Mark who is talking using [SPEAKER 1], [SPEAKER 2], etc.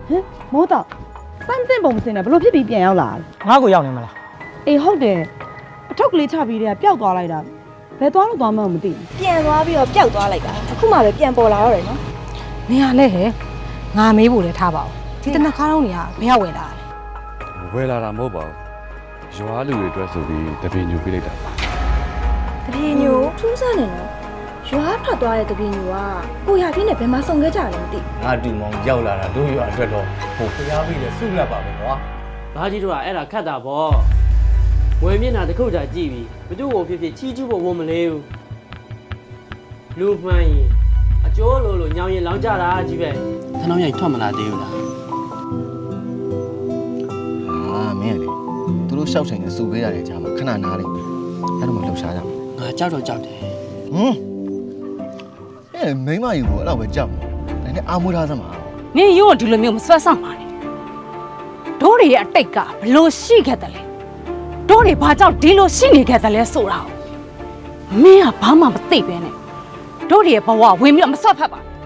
[SPEAKER 1] မိုးတော့စမ်းတင်ပုံမစင်နဲ့ဘလို့ဖြစ်ပြီးပြန်ရောက်လာ
[SPEAKER 2] ငါ့ကိုရောက်နေမလား
[SPEAKER 1] အေးဟုတ်တယ်အထုပ်ကလေးချပြီးတည်းကပျောက်သွားလိုက်တာဘယ်သွားလို့သွားမှမသိ
[SPEAKER 3] ပြန်သွားပြီးတော့ပျောက်သွားလိုက်တာအခုမှပဲပြန်ပေါ်လာတော့တယ်နော်
[SPEAKER 4] နေရလဲဟဲ့ငါမေးဖို့လည်းထားပါဦးဒီတနက်ခါတော့နေရဘယ်ရောက်ဝင်လာလဲ
[SPEAKER 5] ဝယ်လာတာမဟုတ်ပါဘူးရွာလူတွေအတွက်ဆိုပြီးတပင်းညူပေးလိုက်တာပါ
[SPEAKER 3] တပြေညိုထူးဆန်းနေနော်ရွာထွက်သွားတဲ့တပြေညိုကကိုရပြင်းနဲ့ဘယ်မှာဆုံခဲ့ကြလဲမသိ
[SPEAKER 6] ငါတူမောင်ရောက်လာတာတို့ရွာအတွက်တော့ဟိုဖျားပြီးလဲဆုလက်ပါပဲကွာ
[SPEAKER 7] ဘာကြီးတို့ကအဲ့ဒါခတ်တာပေါ့ဝယ်မျက်နှာတစ်ခုကြာကြည့်ပြီးဘသူ့ကိုဖြစ်ဖြစ်ချီးကျူးဖို့ဝန်မလေးဘူးလူမှန်ရင်အကျိုးလို့ညောင်ရင်လောင်းကြတာကြီးပဲထနောင်းရိုက်ထွက်မလာသေးဘူးလား
[SPEAKER 6] အာမင်းလေသူတို့ရှောက်ချိန်နဲ့စုပေးရတယ်ကြားမှာခဏနားလိုက်အဲ့တော့မှလှုပ်ရှားကြမှာ
[SPEAKER 7] ငါကြောက်တော့ကြောက်တယ်
[SPEAKER 6] အဲ့မိမယူကိုအဲ့တော့ပဲကြောက်မှာဒါနဲ့အာမွေးထားစမ်းပါ
[SPEAKER 4] နင်ရုံးကဒီလိုမျိုးမဆွဲဆောင်ပါနဲ့တို့တွေရဲ့အတိတ်ကဘလို့ရှိခဲ့တယ်လဲတို့တွေဘာကြောင့်ဒီလိုရှိနေခဲ့တယ်လဲဆိုတာမင်းကဘာမှမသိပဲနဲ့တို့တွေရဲ့ဘဝဝင်ပြီးတော့မဆွတ်ဖက်ပါ